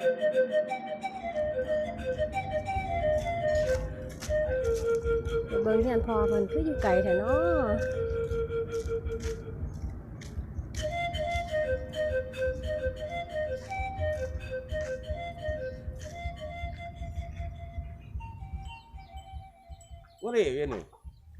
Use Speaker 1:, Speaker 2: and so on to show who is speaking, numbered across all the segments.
Speaker 1: เบิ่งเฮียนพอเพิ่นคืออยู่ไกลแท้เนาะ
Speaker 2: ว่าดิเวียนนี่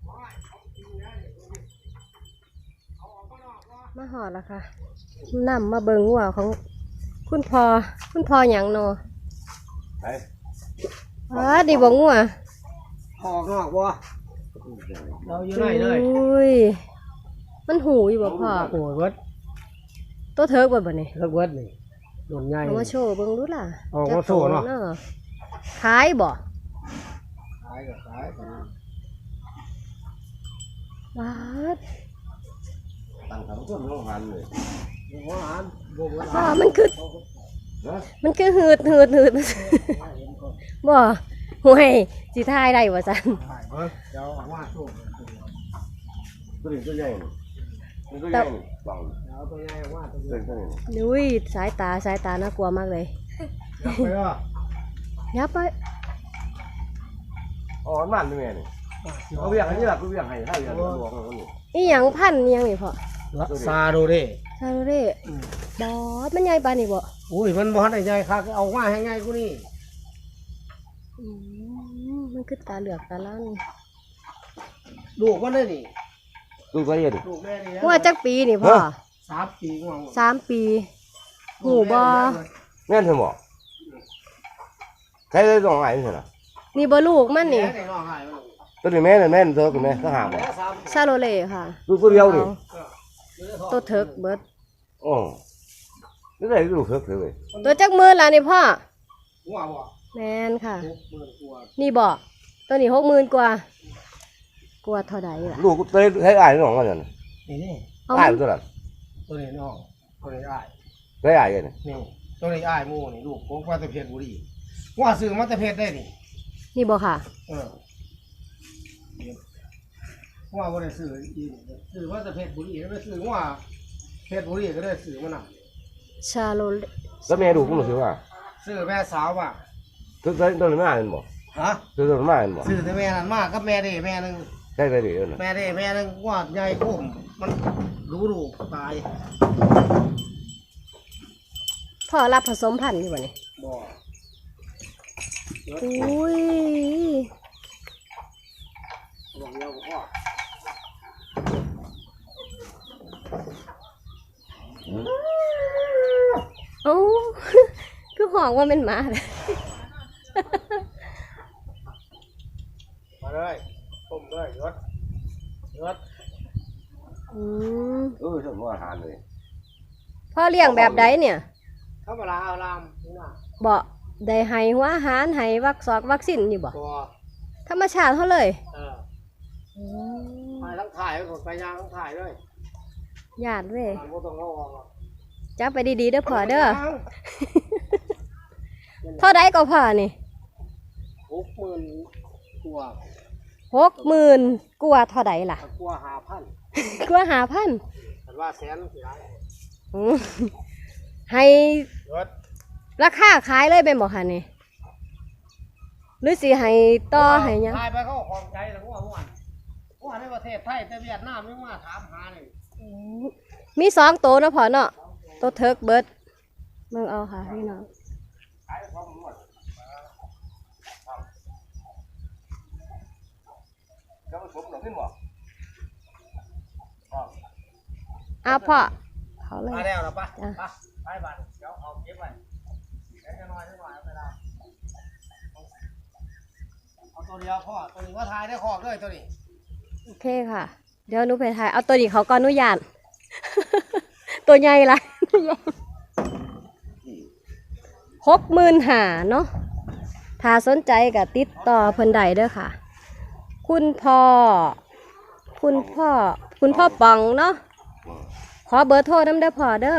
Speaker 1: มาหอดแล้วค่ะนำมาเบิ่งวัวของคุณพ่อหยังเนาะ
Speaker 2: ไป
Speaker 1: ดีบ่งัว
Speaker 3: ออกนอกบ่เราอยู่ไหนเลย
Speaker 1: อุ้ยมันหูอยู่บ่พ่อ
Speaker 3: โอ้ยเบิด
Speaker 1: ตัวเถิกบ่นี่
Speaker 3: เลิกเบิดนี่โดนใหญ่
Speaker 1: เอามาโชว์เบิ่งดูล่ะ
Speaker 3: ออกมาโชว์เนาะ
Speaker 1: ขายบ่
Speaker 3: ขายก็ขาย
Speaker 1: ว้าด
Speaker 2: ตั้งทำต้นโรงงานเลย
Speaker 3: หัวหานบ่เบิด
Speaker 1: มันคือหืดบ่ห่วยสิทายได้บ่ซั่น
Speaker 3: เดี๋ยวเอามาโชว์
Speaker 2: ตัวใหญ่ตัวใหญ่บัง
Speaker 3: เอาตัวใหญ่ว่าตัว
Speaker 2: ใหญ่
Speaker 1: อุ้ยสายตาน่ากลัวมากเลยยับไป
Speaker 2: อ๋อมันนี่แม่นี่เอาเวียงให้นี่ล่ะกูเวียงให้เวียงหลวงนี่
Speaker 1: อีหยังพันอีหยังนี่พ่อ
Speaker 3: ซาโดเร่
Speaker 1: บอสมันใหญ่ปานนี่บ่
Speaker 3: อุ้ยมันบ่ทันได้ใหญ่คักเอามาให้ง่ายกูนี่
Speaker 1: มันคือตาเหลือกตาล้าน
Speaker 3: ลูกมันได้นี่
Speaker 2: ลูกก็เย็น
Speaker 3: ลูกแม่นี่
Speaker 1: ว่าจักปีนี่พ่อ
Speaker 3: 3 ปีง่วง
Speaker 1: 3 ปีหูบ่
Speaker 2: แม่นเถอะบ่ใครได้ต้องหายนี่ล่ะ
Speaker 1: นี่บ่ลูกมันนี่
Speaker 2: ตัวนี้แม่นั่นเถอะคุณแม่ก็หาบ่
Speaker 1: ซาโลเล่ค่ะ
Speaker 2: ลูกตัวเดียวนี่
Speaker 1: ตัวเถิกเบิด
Speaker 2: อ๋อนี่ได้ลูกเถิกเลย
Speaker 1: ตัวจักมื้อล่ะนี่พ่อ
Speaker 3: หัวบ่
Speaker 1: แม่นค่ะนี่บ่ตัวนี้60,000กว่าเท่าใดล่ะ
Speaker 2: ลูกตัวให้อ้ายน้องกันนั่น
Speaker 3: นี่
Speaker 2: อ้ายตัวนั้น
Speaker 3: ตัวนี้น้องตัวนี้อ้าย
Speaker 2: ได้อ้ายนี่
Speaker 3: นี่ตัวนี้อ้ายหมู่นี่ลูกของมาแต่เพชรบุรีว่าซื้อมาแต่เพชรได้นี่
Speaker 1: บ่ค่ะ
Speaker 3: ว่าบ่ได้ซื้ออีซื้อมาแต่เพชรบุรีไม่ซื้อว่าเพชรบุรีก็ได้ซื้อมาน่ะ
Speaker 1: ชาโล
Speaker 2: แล้วแม่ดูกูรู้สึกว่า
Speaker 3: ซื้อแม่สาวว่ะ
Speaker 2: ตัวนั้นมาเป็นบ่
Speaker 3: ฮะ
Speaker 2: ตัวนั้นมาเป็นบ่
Speaker 3: ซื้อแต่แม่นั้นมากับแม่ได้แม่นึง
Speaker 2: ใช่ไปดิ
Speaker 3: แม่ได้แม่นึงว่าใหญ่โคมมันรู้ตาย
Speaker 1: พ่อรับผสมพันธุ์อยู่บ่นี่
Speaker 3: บ่
Speaker 1: อุ้ย
Speaker 3: บอกเดียวพ่อ
Speaker 1: โอ้คือห้องว่าเป็นหมาเลย
Speaker 3: มาเลยต้มเลยยศ
Speaker 2: สมมติอาหารเลย
Speaker 1: พ่อเลี้ยงแบบใดเนี่ย
Speaker 3: ธรรมดาเอาลามนี่นะ
Speaker 1: บ่ได้ให้หัวอาหารให้วัคซีนนี่บ่ธรรมชาติเขาเลย
Speaker 3: ถ่ายทั้งถ่ายไปยางทั้งถ่ายเลย
Speaker 1: ญาติเว้ย
Speaker 3: บ่ต้องเอาออก
Speaker 1: จับไปดีๆเด้อพ่อเด้อเท่าใดก็พ่อนี่
Speaker 3: 60,000 กว่า
Speaker 1: 60,000 กว่าเท่าใดล่ะ
Speaker 3: กว่า 5,000
Speaker 1: กว่า 5,000
Speaker 3: คันว่าแสนสิได้
Speaker 1: ให้ราคาขายเลยเป็นบ่คะนี่หรือสิให้ต่อให้หยัง
Speaker 3: ขายไปเขาของใจแล้วว่าในประเทศไทยแต่เวียดนามไม่มาถามหานี่
Speaker 1: มี2ตัวนะพ่อเนาะตัวเทิร์กเบิร์ดมึงเอาค่ะพี่น้องพ่อเขาเลย
Speaker 3: มาแล้วนะป้าไปบ้านเดี๋ยวเอาเก็บไว้เดี๋ยวจะน้อยเอาไปได้เอาตัวเดียวพ่อตัวนี้ว่าทายได้คอกด้วยตัวนี้
Speaker 1: โอเคค่ะเดี๋ยวหนูไปถ่ายเอาตัวนี้เขาก่อนหนูยานตัวใหญ่ละ65,000เนาะถ้าสนใจก็ติดต่อเพิ่นได้เด้อค่ะคุณพ่อปองเนาะขอเบอร์โทรนำได้พ่อเด้อ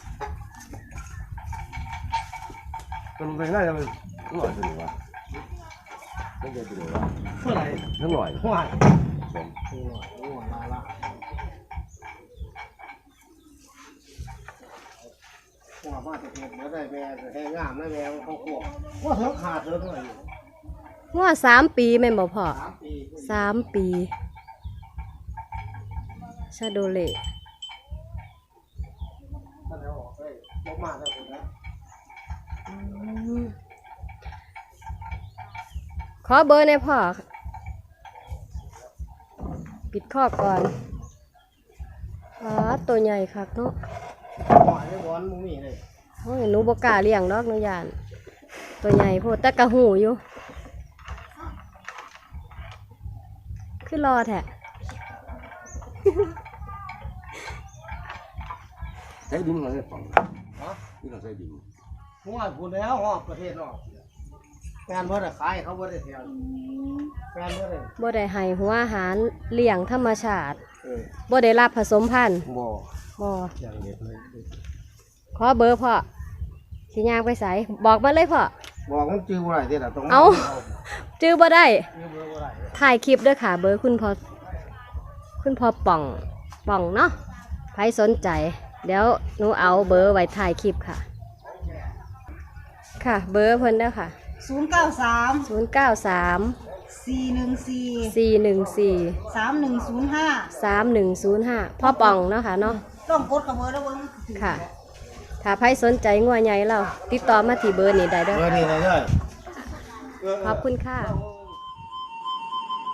Speaker 2: ตัวมันน่าจะเป็นหน่อยตัวนี้วะไม่เจอตัวนี้วะ
Speaker 3: เท่าไหร่
Speaker 2: ทั้งหน่อย
Speaker 3: ว่ามาแต่เพชรบ่ได้แม่แห้งงามนะแม่เขาขวบว่าเถิงขาดเถิงหน่อยอยู่
Speaker 1: งัว3 ปีแม่นบ่พ่อ
Speaker 3: 3 ปี
Speaker 1: 3 ปีชาโดเล
Speaker 3: ถ้าเอาออกได้บ่มาแล้วพุ่นนะ
Speaker 1: ขอเบอร์ในอยพ่อ ปิดข้อก่อนตัวใหญ่คักเนาะ
Speaker 3: หอยได้บอนบ่มีเลย
Speaker 1: โอ้ยหนูบ่กล้าเลี้ยงดอกหนูย่าน ตัวใหญ่โพดแต่กะหูอยู่ คือรอแท้
Speaker 2: ใช้ดินอะไรฝัง
Speaker 3: ฮะ
Speaker 2: นี่เราใช้ดิน
Speaker 3: หัวพุ่นแล้วฮอดประเทศนอกแฟนบ่ได้ขายเขาบ่ได้แถวแฟนบ่ได้
Speaker 1: บ่ได้ให้หัวอาหารเลี้ยงธรรมชาติ
Speaker 3: อ
Speaker 1: บ่ได้รับผสมพันธุ์
Speaker 3: บ่
Speaker 1: บ่
Speaker 3: อย่างเด็ดเลย
Speaker 1: ขอเบอร์พ่อสิย่างไปไสบอกมาเลยพ่อ
Speaker 3: บอกมันจื้อบ่ได้เด้ล่ะต้อง
Speaker 1: เอ้า จื้อบ่ได้
Speaker 3: จื้อบ่ได้
Speaker 1: ถ่ายคลิปด้วยค่ะ เบอร์คุณพ่อป่องเนาะใครสนใจ เดี๋ยวหนูเอาเบอร์ไว้ถ่ายคลิปค่ะ ค่ะ เบอร์เพิ่นเด้อค่ะ
Speaker 4: 093
Speaker 1: 093
Speaker 4: 414
Speaker 1: 414
Speaker 4: 3105
Speaker 1: 3105พ่อป่องเนาะค่ะเนาะ
Speaker 4: ต้องกดกับเบอร์แล้วเบิ่ง
Speaker 1: ค่ะ ถ้าใครสนใจงัวใหญ่เราติดต่อมาที่เบอร์นี้ได้เด้อ
Speaker 3: เบอร์นี้ได้เลย
Speaker 1: ขอบคุณค่ะ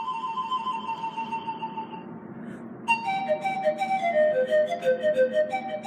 Speaker 3: เ